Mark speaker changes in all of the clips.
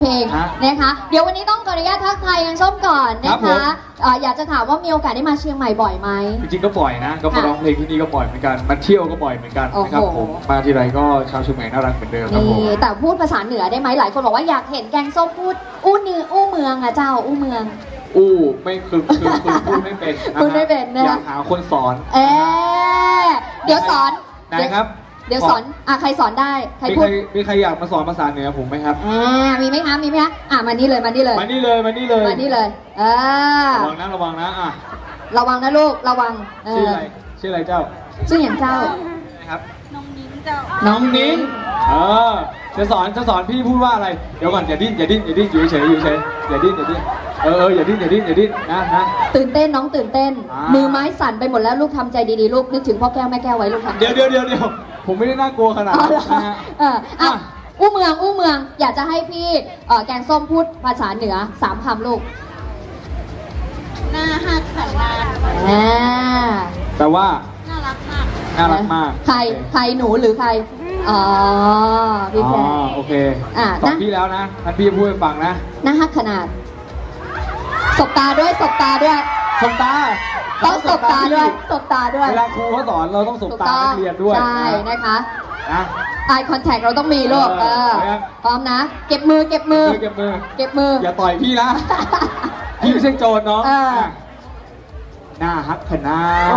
Speaker 1: เพลงนะคะเดี๋ยววันนี้ต้องขออนุญาตทักทายกันส้มก่อนนะคะอยากจะถามว่ามีโอกาสได้มาเชียงใหม่บ่อยไหม
Speaker 2: จริงๆก็บ่อยนะก็มาร้องเพลงที่นี่ก็บ่อยเหมือนกันมาเที่ยวก็บ่อยเหมือนกันนะครับผมมาทีไรก็ชาวเชียงใหม่น่ารักเหมือนเดิมครับผม
Speaker 1: แต่พูดภาษาเหนือได้ไหมหลายคนบอกว่าอยากเห็นแกงส้มพูดอู้เนื้ออู้เมืองอะเจ้าอู้เมือง
Speaker 2: ไม่คือพูดไม่เป็น
Speaker 1: พูดไม่เป็นนะ
Speaker 2: อยากหาคนสอน
Speaker 1: เดี๋ยวสอน
Speaker 2: นะครับ
Speaker 1: เดี๋ยวสอนใครสอนได้ใครพูด
Speaker 2: มีใครอยากมาสอนภาษาเหนือผมไหมครับ
Speaker 1: มีไหมคะมานี่เลยระวังนะลูกระวัง
Speaker 2: ชื่ออะไรเจ้า
Speaker 1: ชื่ออย่างเจ้า
Speaker 2: ครับ
Speaker 3: น้องนิ้งเจ้า
Speaker 2: น้องนิ้งจะสอนพี่พูดว่าอะไรเดี๋ยวก่อนอย่าดิ้นอยู่เฉยอย่าดิ้นอย่าดิ้นนะ
Speaker 1: ตื่นเต้นน้องตื่นเต้นมือไม้สั่นไปหมดแล้วลูกทำใจดีๆลูกนึกถึงพ่อแก้วแม่แก้วไว้ลูกทำ
Speaker 2: เดี๋ยวผมไม่ได้น่ากลัวขนาดนั้นนะฮะ
Speaker 1: อู้เมืองอยากจะให้พี่แกงส้มพูดภาษาเหนือ3 คำลูก
Speaker 3: หน้าฮักขันนา
Speaker 2: แปลว่า
Speaker 3: น่ารักมาก
Speaker 1: ใครหนูหรือใครพี่แพร
Speaker 2: โอเคสอนพี่แล้วนะท่านพี่พูดให้ฟังนะ
Speaker 1: หน้าฮักขนาดสบตาด้วย
Speaker 2: สบตา
Speaker 1: ต้องสบตาด้วย
Speaker 2: เวลาครูเขาสอนเราต้องสบตานักเรียนด้วย
Speaker 1: ใช่นะคะeye contact เราต้องมีลูกพร้อมนะเก็บมือ
Speaker 2: อย่าต่อยพี่นะพี่ไม่ใช่โจรเนาะหน้าฮักขนาด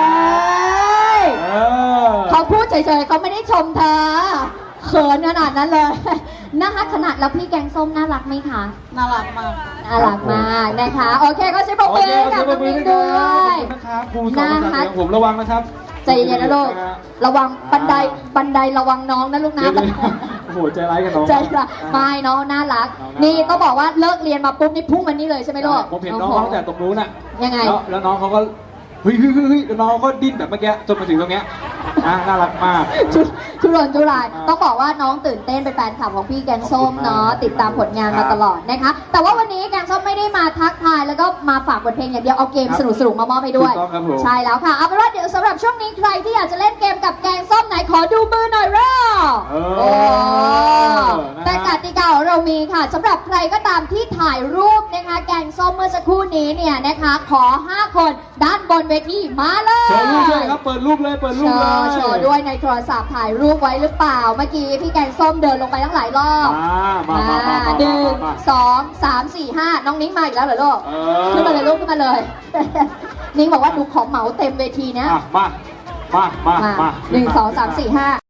Speaker 1: เขาพูดเฉยๆเขาไม่ได้ชมเธอเขินขนาดนั้นเลยน่ารักขนาดแล้วพี่แกงส้มน่ารักไหมคะ
Speaker 3: น่ารักมาก
Speaker 1: นะคะโอเคก็ใช้ปรบมือกับน้องมิ้งด้วย
Speaker 2: นะครับครูสอนภาษาผมระวังนะครับ
Speaker 1: ใจเย็นนะลูกระวังบันไดระวังน้องนะลูกนะ
Speaker 2: โอ้โหใจร้ายกับน้อง
Speaker 1: ใจร้ายไม่น้องน่ารักนี่ต้องบอกว่าเลิกเรียนมาปุ๊บนี่พุ่งมันนี่เลยใช่ไหมลูก
Speaker 2: ผมเห็นน้องตั้งแต่ตรงนู้นน่ะ
Speaker 1: ยังไง
Speaker 2: แล้วน้องเขาก็เฮ้ยแล้วน้องก็ดิ้นแบบเมื่อกี้จนมาถึงตรงเนี้ยน่ารักมาก
Speaker 1: ทุรนทุรายต้องบอกว่าน้องตื่นเต้นเป็นแฟนคลับของพี่แกงส้มเนาะติดตามผลงานมาตลอดนะคะแต่ว่าวันนี้แกงส้มไม่ได้มาทักทายแล้วก็มาฝากบทเพลงอย่างเดียวเอาเกมสนุกมามอบให้ด้วยใช่แล้วค่ะเอาเป็นว่าเดี๋ยวสำหรับช่วงนี้ใครที่อยากจะเล่นเกมกับแกงส้มไหนขอดูมือหน่อยเร็วแต่กติกาของเรามีค่ะสำหรับใครก็ตามที่ถ่ายรูปนะคะแกงส้มเมื่อสักครู่นี้เนี่ยนะคะขอ5 คนด้านบนเวทีมาเลย
Speaker 2: โชว์รูปด้วยครับเปิดรูปเลย
Speaker 1: โชว์ด้วยในโทรศัพท์ถ่ายรูปไว้หรือเปล่าเมื่อกี้พี่แกงส้มเดินลงไปตั้งหลายรอบ1 2 3 4 5น้องนิ้งมาอีกแล้วเหรอลูกขึ้นมาเลยลูกขึ้นมาเลยนิ้งบอกว่าหนูขอเหมาเต็มเวทีนะ
Speaker 2: มา1 2 3 4 5